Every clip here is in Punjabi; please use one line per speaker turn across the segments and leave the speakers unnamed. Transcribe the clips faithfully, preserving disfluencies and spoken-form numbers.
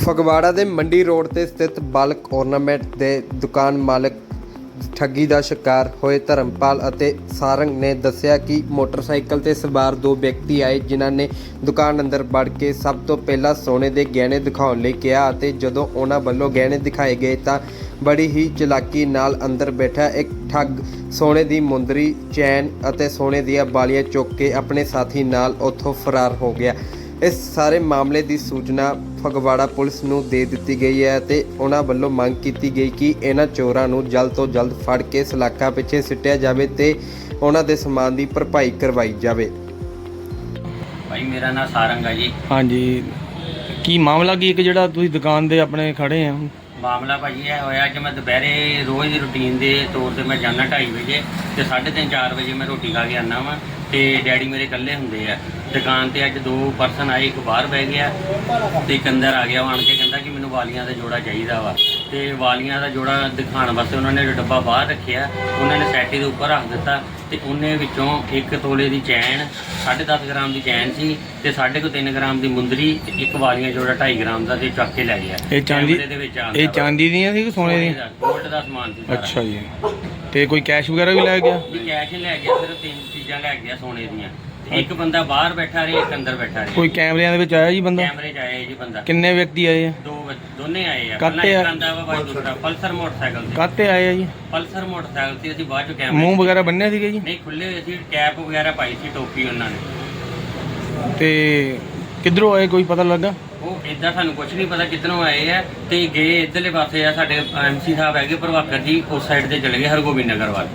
ਫਗਵਾੜਾ ਦੇ ਮੰਡੀ ਰੋਡ ਤੇ ਸਥਿਤ ਬਲਕ ਔਰਨਾਮੈਂਟ ਦੇ ਦੁਕਾਨ ਮਾਲਕ ਠੱਗੀ ਦਾ ਸ਼ਿਕਾਰ ਹੋਏ ਧਰਮਪਾਲ ਅਤੇ ਸਾਰੰਗ ਨੇ ਦੱਸਿਆ ਕਿ ਮੋਟਰਸਾਈਕਲ ਤੇ ਸਵਾਰ ਦੋ ਵਿਅਕਤੀ ਆਏ ਜਿਨ੍ਹਾਂ ਨੇ ਦੁਕਾਨ ਅੰਦਰ ਵੜ ਕੇ ਸਭ ਤੋਂ ਪਹਿਲਾਂ ਸੋਨੇ ਦੇ ਗਹਿਣੇ ਦਿਖਾਉਣ ਲਈ ਕਿਹਾ ਅਤੇ ਜਦੋਂ ਉਹਨਾਂ ਵੱਲੋਂ ਗਹਿਣੇ ਦਿਖਾਏ ਗਏ ਤਾਂ ਬੜੀ ਹੀ ਚਲਾਕੀ ਨਾਲ ਅੰਦਰ ਬੈਠਾ ਇੱਕ ਠੱਗ ਸੋਨੇ ਦੀ ਮੁੰਦਰੀ, ਚੈਨ ਅਤੇ ਸੋਨੇ ਦੀਆਂ ਵਾਲੀਆਂ ਚੁੱਕ ਕੇ ਆਪਣੇ ਸਾਥੀ ਨਾਲ ਉੱਥੋਂ ਫਰਾਰ ਹੋ ਗਿਆ। ਇਸ ਸਾਰੇ ਮਾਮਲੇ ਦੀ ਸੂਚਨਾ ਫਗਵਾੜਾ ਪੁਲਿਸ ਨੂੰ ਦੇ ਦਿੱਤੀ ਗਈ ਹੈ ਅਤੇ ਉਹਨਾਂ ਵੱਲੋਂ ਮੰਗ ਕੀਤੀ ਗਈ ਕਿ ਇਹਨਾਂ ਚੋਰਾਂ ਨੂੰ ਜਲਦ ਤੋਂ ਜਲਦ ਫੜ ਕੇ ਸਲਾਖਾਂ ਪਿੱਛੇ ਸਿੱਟਿਆ ਜਾਵੇ ਤੇ ਉਹਨਾਂ ਦੇ ਸਮਾਨ ਦੀ ਭਰਪਾਈ ਕਰਵਾਈ ਜਾਵੇ।
ਭਾਈ ਮੇਰਾ ਨਾਮ ਸਾਰੰਗ ਹੈ ਜੀ।
ਹਾਂਜੀ, ਕੀ ਮਾਮਲਾ ਕੀ ਇੱਕ ਜਿਹੜਾ ਤੁਸੀਂ ਦੁਕਾਨ ਦੇ ਆਪਣੇ ਖੜੇ ਆ?
ਮਾਮਲਾ ਭਾਜੀ ਇਹ ਹੋਇਆ ਕਿ ਮੈਂ ਦੁਪਹਿਰੇ ਰੋਜ਼ ਦੀ ਰੂਟੀਨ ਦੇ ਤੌਰ ਤੇ ਮੈਂ ਜਾਂਦਾ ਢਾਈ ਵਜੇ ਤੇ ਸਾਢੇ ਤਿੰਨ ਚਾਰ ਵਜੇ ਮੈਂ ਰੋਟੀ ਖਾ ਕੇ ਆਉਂਦਾ ਵਾਂ ਤੇ ਡੈਡੀ ਮੇਰੇ ਇਕੱਲੇ ਹੁੰਦੇ ਆ ਦੁਕਾਨ ਤੇ। ਅੱਜ ਦੋ ਪਰਸਨ ਆਏ, ਇੱਕ ਬਾਹਰ ਬਹਿ ਗਿਆ ਤੇ ਇੱਕ ਅੰਦਰ ਆ ਗਿਆ। ਆਣ ਕੇ ਕਹਿੰਦਾ ਕਿ ਮੈਨੂੰ ਵਾਲੀਆਂ ਦਾ ਜੋੜਾ ਚਾਹੀਦਾ ਵਾ ਤੇ ਵਾਲੀਆਂ ਦਾ ਜੋੜਾ ਦਿਖਾਉਣ ਵਾਸਤੇ ਉਹਨਾਂ ਨੇ ਡੱਬਾ ਬਾਹਰ ਰੱਖਿਆ, ਉਹਨਾਂ ਨੇ ਸੈਟੀ ਦੇ ਉੱਪਰ ਰੱਖ ਦਿੱਤਾ ਤੇ ਉਹਨੇ ਵਿੱਚੋਂ ਇੱਕ ਤੋਲੇ ਦੀ ਚੈਨ, ਸਾਢੇ ਦਸ ਗ੍ਰਾਮ ਦੀ ਚੈਨ ਸੀ ਤੇ ਸਾਢੇ ਕੁ ਤਿੰਨ ਗ੍ਰਾਮ ਦੀ ਮੁੰਦਰੀ ਤੇ ਇੱਕ ਵਾਲੀਆਂ ਜੋੜਾ ਢਾਈ ਗ੍ਰਾਮ ਦਾ ਤੇ ਚੱਕ ਕੇ ਲੈ ਗਿਆ।
ਇਹ ਚਾਂਦੀ
ਦੇ ਵਿੱਚ
ਇਹ ਚਾਂਦੀ ਦੀਆਂ ਸੀ ਕਿ ਸੋਨੇ ਦੀਆਂ?
ਗੋਲਡ ਦਾ ਸਮਾਨ ਸੀ ਸਾਰਾ।
ਅੱਛਾ ਜੀ, ਤੇ ਕੋਈ ਕੈਸ਼ ਵਗੈਰਾ ਵੀ ਲੈ ਗਿਆ?
ਵੀ ਕੈਸ਼ ਹੀ ਲੈ ਗਿਆ, ਸਿਰਫ ਤਿੰਨ ਚੀਜ਼ਾਂ ਲੈ ਗਿਆ ਸੋਨੇ ਦੀਆਂ। ਇੱਕ ਬੰਦਾ ਬਾਹਰ ਬੈਠਾ ਰਿਹਾ, ਇੱਕ ਅੰਦਰ ਬੈਠਾ ਰਿਹਾ।
ਕੋਈ ਕੈਮਰਿਆਂ ਦੇ ਵਿੱਚ ਆਇਆ ਜੀ ਬੰਦਾ?
ਕੈਮਰੇ 'ਚ ਆਇਆ ਜੀ ਬੰਦਾ।
ਕਿੰਨੇ ਵਿਅਕਤੀ ਆਏ ਆ?
ਦੋ ਦੋਨੇ ਆਏ ਆ।
ਕਾਹਤੇ
ਪਹਿਲਾਂ
ਆ?
ਇੱਕ ਆਂਦਾ ਵਾ ਬਾਈ ਦੂਸਰਾ ਪਲਸਰ ਮੋਟਰਸਾਈਕਲ ਤੇ।
ਕਾਹਤੇ ਆਏ ਆ ਜੀ?
ਪਲਸਰ ਮੋਟਰਸਾਈਕਲ ਤੇ ਅਸੀਂ ਬਾਅਦ ਚ ਕੈਮਰੇ
ਮੂੰਹ ਵਗੈਰਾ ਬੰਨਿਆ ਸੀਗਾ ਜੀ?
ਨਹੀਂ, ਖੁੱਲੇ ਹੋਏ ਸੀ, ਕੈਪ ਵਗੈਰਾ ਪਾਈ ਸੀ, ਟੋਪੀ ਉਹਨਾਂ ਨੇ।
ਤੇ ਕਿੱਧਰੋਂ ਆਏ ਕੋਈ ਪਤਾ ਲੱਗਾ?
ਉਹ ਇਦਾਂ ਸਾਨੂੰ ਕੁਝ ਨਹੀਂ ਪਤਾ ਕਿੱਧਰੋਂ ਆਏ ਆ ਤੇ ਗਏ ਇੱਧਰਲੇ ਪਾਸੇ ਆ। ਸਾਡੇ ਐਮਸੀ ਸਾਹਿਬ ਹੈਗੇ ਪ੍ਰਭਾਕਰ ਜੀ, ਉਸ ਸਾਈਡ ਤੇ ਚਲੇ ਗਏ ਹਰਗੋਬਿੰਦ ਨਗਰ ਵੱਲ।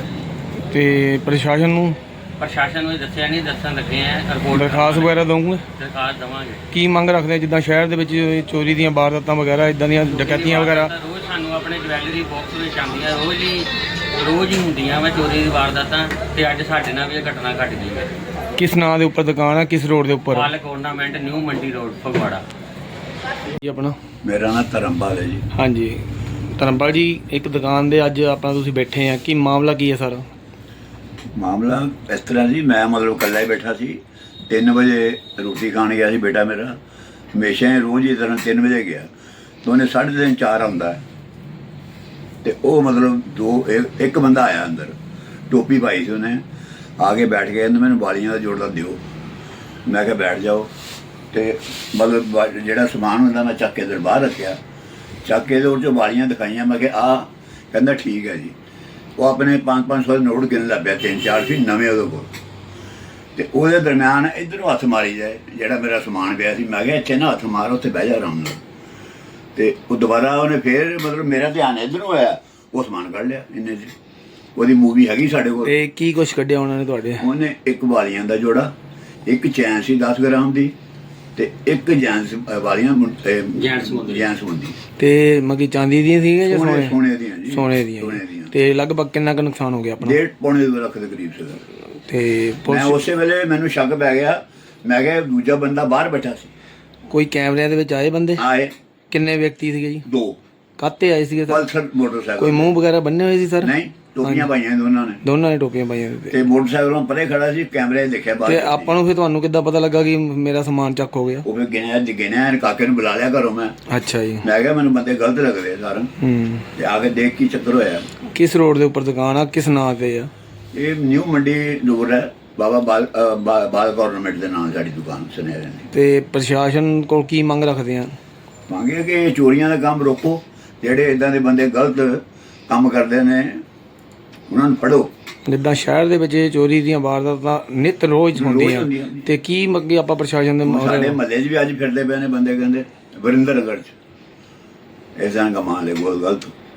ਤੇ ਪ੍ਰਸ਼ਾਸਨ ਨੂੰ
ਪ੍ਰਸ਼ਾਸਨ ਨੂੰ ਦੱਸਿਆ ਨਹੀਂ, ਦੱਸਣ ਲੱਗੇ ਆ। ਰਿਪੋਰਟ
ਦਰਖਾਸਤ ਵਗੈਰਾ ਦਊਂਗੇ?
ਦਰਖਾਸਤ ਦੇਵਾਂਗੇ।
ਕੀ ਮੰਗ ਰੱਖਦੇ ਆ ਜਿੱਦਾਂ ਸ਼ਹਿਰ ਦੇ ਵਿੱਚ ਚੋਰੀ ਦੀਆਂ ਵਾਰਦਾਤਾਂ ਵਗੈਰਾ ਇਦਾਂ ਦੀਆਂ ਡਕੈਤੀਆਂ ਵਗੈਰਾ
ਰੋਜ਼ ਸਾਨੂੰ ਆਪਣੇ ਜਵੈਲਰੀ ਬਾਕਸ ਵਿੱਚ ਆਉਂਦੀਆਂ, ਰੋਜ਼ ਹੀ ਰੋਜ਼ ਹੀ ਹੁੰਦੀਆਂ ਵਾ ਚੋਰੀ ਦੀ ਵਾਰਦਾਤਾਂ ਤੇ ਅੱਜ ਸਾਡੇ ਨਾਲ ਵੀ ਇਹ ਘਟਨਾ ਘਟ ਗਈ ਹੈ।
ਕਿਸ ਨਾਂ ਦੇ ਉੱਪਰ ਦੁਕਾਨ ਆ, ਕਿਸ ਰੋਡ ਦੇ ਉੱਪਰ?
Bulk ornament, new Mandi road, Phagwara.
ਜੀ ਆਪਣਾ?
ਮੇਰਾ ਨਾਮ ਧਰਮਪਾਲ ਹੈ ਜੀ।
ਹਾਂਜੀ ਧਰਮਪਾਲ ਜੀ, ਇੱਕ ਦੁਕਾਨ ਦੇ ਅੱਜ ਆਪਣਾ ਤੁਸੀਂ ਬੈਠੇ ਆ, ਕੀ ਮਾਮਲਾ ਕੀ ਹੈ ਸਰ?
ਮਾਮਲਾ ਇਸ ਤਰ੍ਹਾਂ ਜੀ, ਮੈਂ ਮਤਲਬ ਇਕੱਲਾ ਹੀ ਬੈਠਾ ਸੀ। ਤਿੰਨ ਵਜੇ ਰੋਟੀ ਖਾਣ ਗਿਆ ਸੀ ਬੇਟਾ ਮੇਰਾ, ਹਮੇਸ਼ਾ ਹੀ ਰੋਜ਼ ਹੀ ਤਰ੍ਹਾਂ ਤਿੰਨ ਵਜੇ ਗਿਆ ਤਾਂ ਉਹਨੇ ਸਾਢੇ ਤਿੰਨ ਚਾਰ ਆਉਂਦਾ ਤੇ ਉਹ ਮਤਲਬ ਦੋ ਇੱਕ ਇੱਕ ਬੰਦਾ ਆਇਆ ਅੰਦਰ, ਟੋਪੀ ਪਾਈ ਸੀ ਉਹਨੇ, ਆ ਕੇ ਬੈਠ ਗਿਆ। ਕਹਿੰਦਾ ਮੈਨੂੰ ਵਾਲੀਆਂ ਦਾ ਜੋੜਾ ਦਿਓ। ਮੈਂ ਕਿਹਾ ਬੈਠ ਜਾਓ ਤੇ ਮਤਲਬ ਜਿਹੜਾ ਸਮਾਨ ਹੁੰਦਾ ਮੈਂ ਚੱਕ ਕੇ ਅੰਦਰ ਬਾਹਰ ਰੱਖਿਆ, ਚੱਕ ਕੇ ਉਹਦੇ 'ਚੋਂ ਵਾਲੀਆਂ ਦਿਖਾਈਆਂ। ਮੈਂ ਕਿਹਾ ਆ, ਕਹਿੰਦਾ ਠੀਕ ਹੈ ਜੀ। ਉਹ ਆਪਣੇ ਪੰਜ ਪੰਜ ਸੌ ਦੇ ਨੋਟ ਗਿਣ ਲੱਗ ਪਿਆ, ਤਿੰਨ ਚਾਰ ਸੀ ਨਵੇਂ ਉਹਦੇ ਕੋਲ। ਤੇ ਉਹਦੇ ਦਰਮਿਆਨ ਇੱਧਰੋਂ ਹੱਥ ਮਾਰੀ ਜਾਏ ਜਿਹੜਾ ਮੇਰਾ ਸਮਾਨ ਪਿਆ ਸੀ। ਮੈਂ ਕਿਹਾ ਇੱਥੇ ਨਾ ਹੱਥ ਮਾਰ, ਉੱਥੇ ਬਹਿ ਜਾ ਆਰਾਮ ਨਾਲ। ਤੇ ਉਹ ਦੁਬਾਰਾ ਉਹਨੇ ਫੇਰ ਮਤਲਬ ਮੇਰਾ ਧਿਆਨ ਇੱਧਰੋਂ ਹੋਇਆ, ਉਹ ਸਮਾਨ ਕੱਢ ਲਿਆ ਇੰਨੇ 'ਚ। ਉਹਦੀ ਮੂਵੀ ਹੈਗੀ ਸਾਡੇ ਕੋਲ।
ਤੇ ਕੀ ਕੁਛ ਕੱਢਿਆ ਉਹਨਾਂ ਨੇ ਤੁਹਾਡੇ?
ਉਹਨੇ ਇੱਕ ਵਾਲੀਆਂ ਦਾ ਜੋੜਾ, ਇੱਕ ਚੈਨ ਸੀ ਦਸ ਗ੍ਰਾਮ ਦੀ ਤੇ ਇੱਕ ਜੈਂਸ ਵਾਲੀਆਂ
ਜੈਂਟਸ ਮੁੰਦਰੀ।
ਜੈਂਸ ਮੁੰਦਰੀ
ਤੇ ਮਗੀ ਚਾਂਦੀ ਦੀਆਂ ਸੀਗੀਆਂ ਜਾਂ
ਸੋਨੇ
ਸੋਨੇ?
ਸੋਨੇ ਦੀਆਂ ਜੀ,
ਸੋਨੇ ਦੀਆਂ।
ਸੋਨੇ ਦੀਆਂ।
ਤੇ ਲਗਭਗ ਕਿੰਨਾ ਕੁ ਨੁਕਸਾਨ ਹੋ ਗਿਆ ਆਪਣਾ?
ਡੇਢ ਪੌਣੇ ਦੋ ਲੱਖ ਦੇ ਕਰੀਬ ਸੀਗਾ।
ਤੇ
ਮੈਂ
ਪੁਲਿਸ
ਉਸੇ ਵੇਲੇ ਮੈਨੂੰ ਸ਼ੱਕ ਪੈ ਗਿਆ। ਮੈਂ ਕਿਹਾ ਦੂਜਾ ਬੰਦਾ ਬਾਹਰ ਬੈਠਾ ਸੀ।
ਕੋਈ ਕੈਮਰਿਆਂ ਦੇ ਵਿੱਚ ਆਏ ਬੰਦੇ?
ਆਏ
ਕਿੰਨੇ ਵਿਅਕਤੀ ਸੀਗੇ ਜੀ?
ਦੋ।
ਕਾਹਤੇ ਆਏ ਸੀਗੇ ਸਰ?
Pulsar motorcycle.
ਕੋਈ ਮੂੰਹ ਵਗੈਰਾ ਬੰਨੇ ਹੋਏ ਸੀ ਸਰ?
ਨਹੀਂ, ਟੋਪੀਆਂ ਪਾਈਆਂ ਦੋਨਾਂ ਨੇ।
ਦੋਨਾਂ ਨੇ ਟੋਪੀਆਂ ਪਾਈਆਂ ਸੀ।
ਤੇ ਮੋਟਰਸਾਈਕਲੋਂ ਪਰੇ ਖੜਾ ਸੀ, ਕੈਮਰੇ ਦੇਖਿਆ ਬਾਹਰ।
ਤੇ ਆਪਾਂ ਨੂੰ ਫਿਰ ਤੁਹਾਨੂੰ ਕਿੱਦਾਂ ਪਤਾ ਲੱਗਾ ਕਿ ਮੇਰਾ ਸਮਾਨ ਚੱਕ ਹੋ ਗਿਆ?
ਉਹ ਫਿਰ ਗਿਣਿਆ ਗਿਣਿਆ ਕਾਕੇ ਨੂੰ ਬੁਲਾ ਲਿਆ ਘਰੋਂ ਮੈਂ।
ਅੱਛਾ ਜੀ।
ਮੈਂ ਕਿਹਾ ਮੈਨੂੰ ਬੰਦੇ ਗਲਤ ਲੱਗਦੇ ਸਾਰਨ।
ਹੂੰ।
ਤੇ ਆ ਕੇ ਦੇਖ ਕੀ ਚੱਕਰ ਹੋਇਆ।
ਕਿਸ ਰੋਡ ਦੇ ਉੱਪਰ ਦੁਕਾਨ ਆ, ਕਿਸ ਨਾਂ ਤੇ ਆ?
ਇਹ ਨਿਊ ਮੰਡੀ ਰੋਡ ਹੈ, ਬਾਬਾ ਬਾਲ ਬਾਲ ਗਵਰਨਮੈਂਟ ਦੇ ਨਾਲ ਸਾਡੀ ਦੁਕਾਨ ਸੁਨੇਰੇ ਦੀ।
ਤੇ ਪ੍ਰਸ਼ਾਸਨ ਕੋਲ ਕੀ ਮੰਗ ਰੱਖਦੇ ਆ?
ਮੰਗੇ ਕਿ ਇਹ ਚੋਰੀਆਂ ਦਾ ਕੰਮ ਰੋਕੋ, ਜਿਹੜੇ ਇਦਾਂ ਦੇ ਬੰਦੇ ਗਲਤ ਕੰਮ ਕਰਦੇ ਨੇ ਉਹਨਾਂ ਨੂੰ ਫੜੋ।
ਜਿੱਦਾਂ ਸ਼ਹਿਰ ਦੇ ਵਿੱਚ ਚੋਰੀ ਦੀਆਂ ਵਾਰਦਾਤਾਂ ਨਿਤ ਰੋਜ਼ ਹੁੰਦੀਆਂ, ਤੇ ਕੀ ਅੱਗੇ ਆਪਾਂ ਪ੍ਰਸ਼ਾਸਨ ਦੇ
ਸਾਡੇ ਮਹੱਲੇ 'ਚ ਵੀ ਅੱਜ ਫਿਰਦੇ ਪਏ ਨੇ ਬੰਦੇ, ਕਹਿੰਦੇ ਵਰਿੰਦਰ ਨਗਰ 'ਚ ਇਸ ਤਰ੍ਹਾਂ ਦਾ ਮਾਲ ਹੈ ਬਹੁਤ ਗਲਤ।